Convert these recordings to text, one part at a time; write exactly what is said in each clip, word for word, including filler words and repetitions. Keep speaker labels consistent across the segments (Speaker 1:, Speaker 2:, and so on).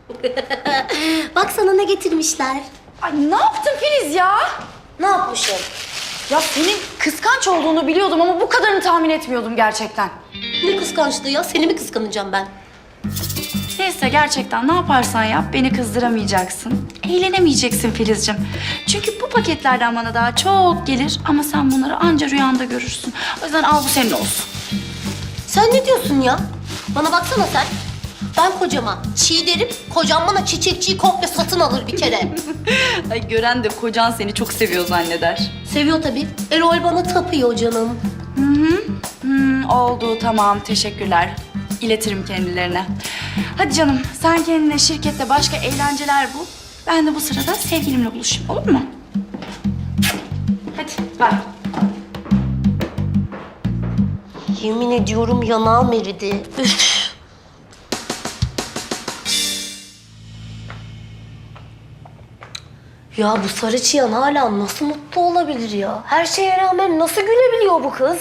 Speaker 1: Bak sana ne getirmişler.
Speaker 2: Ay ne yaptın Filiz ya?
Speaker 1: Ne yapmışım?
Speaker 2: Ya senin kıskanç olduğunu biliyordum ama bu kadarını tahmin etmiyordum gerçekten.
Speaker 1: Ne kıskançlığı ya? Seni mi kıskanacağım ben?
Speaker 2: Neyse gerçekten ne yaparsan yap beni kızdıramayacaksın. Eğlenemeyeceksin Filizciğim. Çünkü bu paketlerden bana daha çok gelir ama sen bunları anca rüyanda görürsün. O yüzden al bu senin olsun.
Speaker 1: Sen ne diyorsun ya? Bana baksana sen. Ben kocama çiğ derim, kocam bana çiçekçiyi komple satın alır bir kere.
Speaker 2: Ay gören de kocan seni çok seviyor zanneder.
Speaker 1: Seviyor tabii. Erol bana tapıyor canım.
Speaker 2: Hı hı. Hmm, oldu tamam teşekkürler. İletirim kendilerine. Hadi canım sen kendine şirkette başka eğlenceler bul. Ben de bu sırada sevgilimle buluşayım olur mu? Hadi bye.
Speaker 1: Yemin ediyorum yanağım eridi. Üf. Ya bu sarı çıyan hala nasıl mutlu olabilir ya? Her şeye rağmen nasıl gülebiliyor bu kız?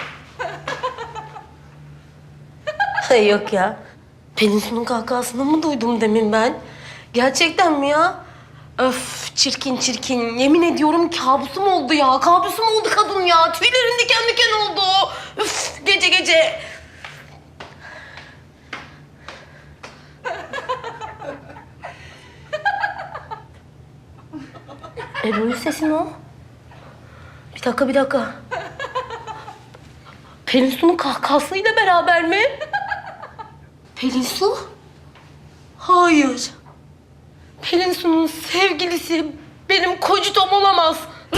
Speaker 1: Ay yok ya. Pelinsu'nun kahkahasını mı duydum demin ben? Gerçekten mi ya? Öf çirkin çirkin. Yemin ediyorum kabusum oldu ya. Kabusum oldu kadın ya. Tüylerim diken diken oldu. Üf gece gece. Ebru'nun sesi mi o? Bir dakika, bir dakika. Pelinsu'nun kahkahasıyla beraber mi? Pelinsu? Hayır. Pelinsu'nun sevgilisi benim kocutom olamaz.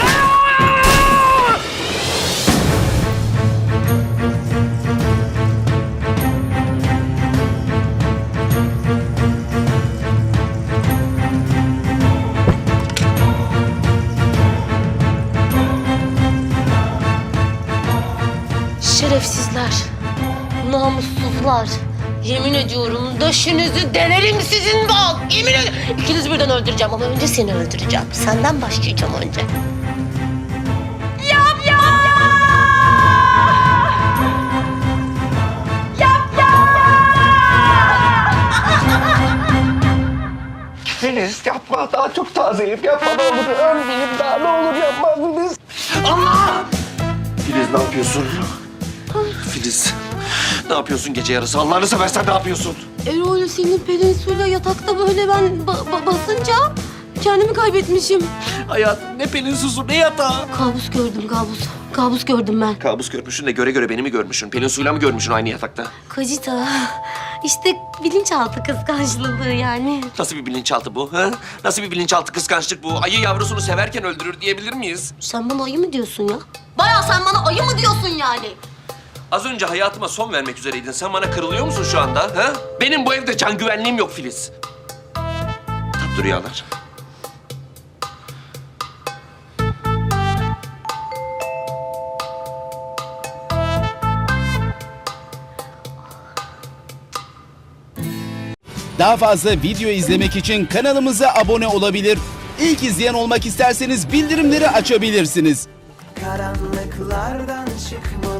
Speaker 1: Şerefsizler, namussuzlar. Yemin ediyorum döşünüzü delerim sizin bal. Yemin ediyorum. İkinizi birden öldüreceğim ama önce seni öldüreceğim. Senden başlayacağım önce.
Speaker 2: Yap ya! Yap ya!
Speaker 3: Filiz yapma, daha çok tazeyim. Yapma ne olur, ölmeyeyim daha ne olur yapma Filiz. Allah! Filiz ne yapıyorsun? Filiz ne yapıyorsun gece yarısı? Allah'ını seversen ne yapıyorsun?
Speaker 1: Erol senin Pelinsu'yla yatakta böyle ben ba- ba- basınca kendimi kaybetmişim.
Speaker 3: Hayatım ne Pelinsu'su ne yatağı?
Speaker 1: Kabus gördüm kabus. Kabus gördüm ben.
Speaker 3: Kabus görmüşsün de göre göre beni mi görmüşsün? Pelinsu'yla mı görmüşsün aynı yatakta?
Speaker 1: Kocita. İşte bilinçaltı kıskançlığı yani.
Speaker 3: Nasıl bir bilinçaltı bu? Ha? Nasıl bir bilinçaltı kıskançlık bu? Ayı yavrusunu severken öldürür diyebilir miyiz?
Speaker 1: Sen bana ayı mı diyorsun ya? Bayağı sen bana ayı mı diyorsun yani?
Speaker 3: Az önce hayatıma son vermek üzereydin. Sen bana kırılıyor musun şu anda? Ha? Benim bu evde can güvenliğim yok Filiz. Tatlı rüyalar.
Speaker 4: Daha fazla video izlemek için kanalımıza abone olabilir. İlk izleyen olmak isterseniz bildirimleri açabilirsiniz.
Speaker 5: Karanlıklardan çıkmalı